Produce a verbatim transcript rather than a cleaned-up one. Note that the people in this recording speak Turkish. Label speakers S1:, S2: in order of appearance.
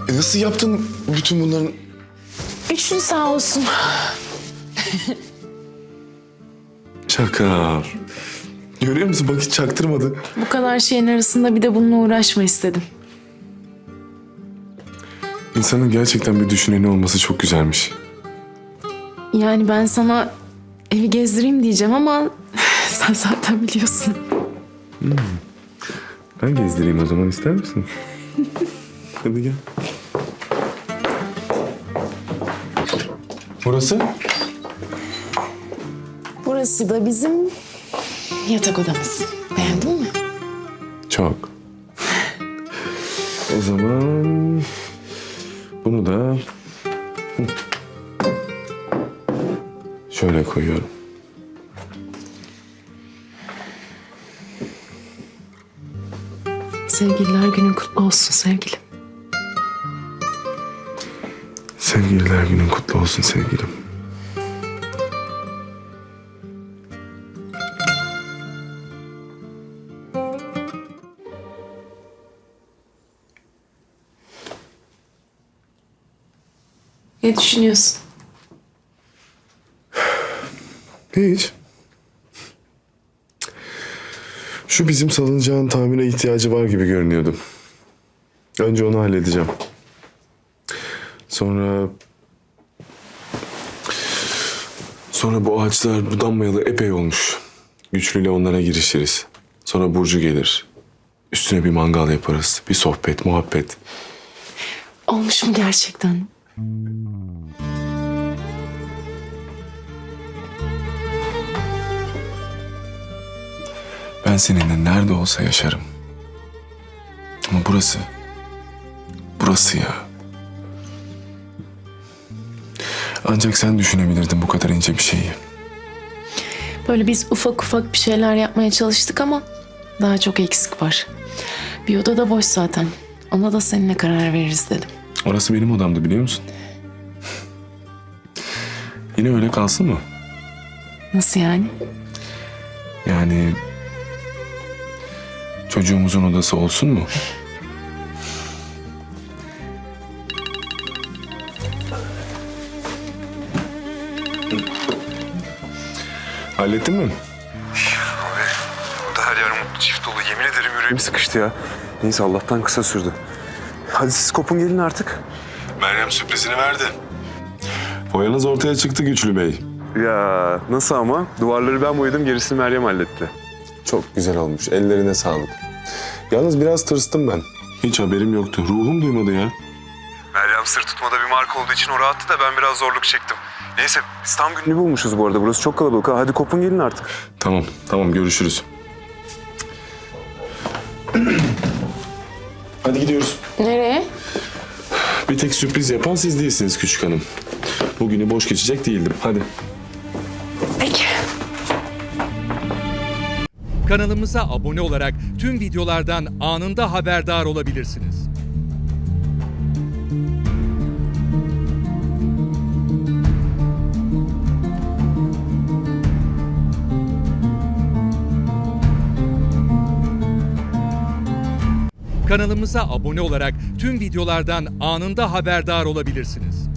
S1: E nasıl yaptın bütün bunların?
S2: Üçün sağ olsun.
S1: Çakar. Görüyor musun? Bak hiç çaktırmadı.
S2: Bu kadar şeyin arasında bir de bununla uğraşma istedim.
S1: İnsanın gerçekten bir düşüneni olması çok güzelmiş.
S2: Yani ben sana evi gezdireyim diyeceğim ama sen zaten biliyorsun.
S1: Hmm. Ben gezdireyim o zaman, ister misin? Hadi gel. Burası?
S2: Burası da bizim yatak odamız. Beğendin mi?
S1: Çok. O zaman bunu da şöyle koyuyorum.
S2: Sevgililer günün kutlu olsun sevgilim.
S1: Sevgililer günün kutlu olsun sevgilim.
S2: Ne düşünüyorsun?
S1: Hiç. Şu bizim salıncağın tamire ihtiyacı var gibi görünüyordu. Önce onu halledeceğim. Sonra... Sonra bu ağaçlar budanmayalı epey olmuş. Güçlüyle onlara girişiriz. Sonra Burcu gelir. Üstüne bir mangal yaparız. Bir sohbet, muhabbet.
S2: Olmuş mu gerçekten?
S1: Ben seninle nerede olsa yaşarım. Ama burası... Burası ya. Ancak sen düşünebilirdin bu kadar ince bir şeyi.
S2: Böyle biz ufak ufak bir şeyler yapmaya çalıştık ama daha çok eksik var. Bir oda da boş zaten. Ona da seninle karar veririz dedim.
S1: Orası benim odamdı, biliyor musun? Yine öyle kalsın mı?
S2: Nasıl yani?
S1: Yani... Çocuğumuzun odası olsun mu? Hallettin mi?
S3: Abi burada her yer mutlu çift dolu. Yemin ederim yüreğim sıkıştı ya. Neyse Allah'tan kısa sürdü. Hadi siz kopun gelin artık.
S1: Meryem sürprizini verdi. Boyanız ortaya çıktı Güçlü Bey.
S3: Ya nasıl ama? Duvarları ben boyadım, gerisini Meryem halletti.
S1: Çok güzel olmuş. Ellerine sağlık. Yalnız biraz tırstım ben. Hiç haberim yoktu. Ruhum duymadı ya.
S3: Meryem sır tutmada bir marka olduğu için o rahattı da ben biraz zorluk çektim. Neyse biz tam gününü bulmuşuz bu arada. Burası çok kalabalık. Ha, hadi kopun gelin artık.
S1: Tamam, tamam. Görüşürüz. Hadi gidiyoruz.
S2: Nereye?
S1: Bir tek sürpriz yapan siz değilsiniz küçük hanım. Bugünü boş geçecek değildim. Hadi.
S2: Peki.
S4: Kanalımıza abone olarak tüm videolardan anında haberdar olabilirsiniz. Kanalımıza abone olarak tüm videolardan anında haberdar olabilirsiniz.